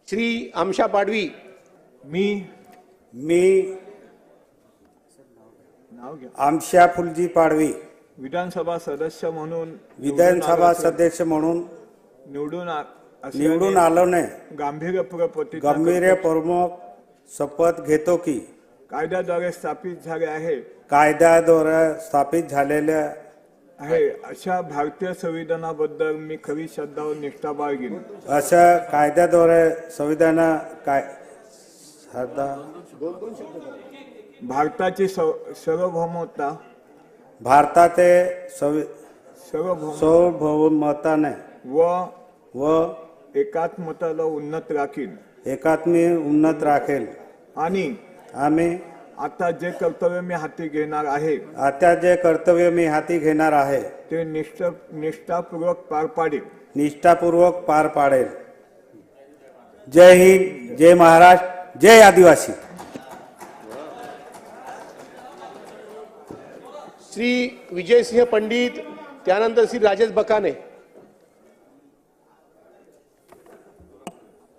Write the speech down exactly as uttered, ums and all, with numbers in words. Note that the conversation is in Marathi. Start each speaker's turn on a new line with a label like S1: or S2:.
S1: श्री आमशा पाडवी
S2: मी
S3: मी
S2: नाव घ्या
S3: आमशा फुलजी पाडवी
S2: विधानसभा सदस्य म्हणून
S3: विधानसभा सदस्य म्हणून
S2: निवडून आ- असल्याने
S3: निवडून आलो ने
S2: गांभीर्यपूर्वक प्रतिज्ञा
S3: गंभीर
S2: करतो.
S3: प्रमुख शपथ घेतो की
S2: कायद्याद्वारे स्थापित झाले आहे
S3: कायद्याद्वारे स्थापित झालेल्या
S2: आहे अशा भारतीय संविधानाबद्दल मी खरी श्रद्धा व निष्ठा बाळगीन.
S3: अशा कायद्याद्वारे संविधान काय श्रद्धा
S2: भारताची सव- सार्वभौमता
S3: भारताचे संवि-
S2: सार्वभौम
S3: सार्वभौमताने
S2: व
S3: व
S2: एकात्मताला उन्नत राखीन
S3: एकात्मी उन्नत राखेल.
S2: आणि
S3: आम्ही
S2: आता जे कर्तव्य मी हाती घेणार आहे
S3: आता जे कर्तव्य मी हाती घेणार आहे
S2: ते निष्ठ निष्ठापूर्वक पार पाडेल.
S3: निष्ठापूर्वक पार पाडेल. जय हिंद, जय महाराष्ट्र, जय आदिवासी.
S1: श्री विजयसिंह पंडित, त्यानंतर श्री राजेश बकाने.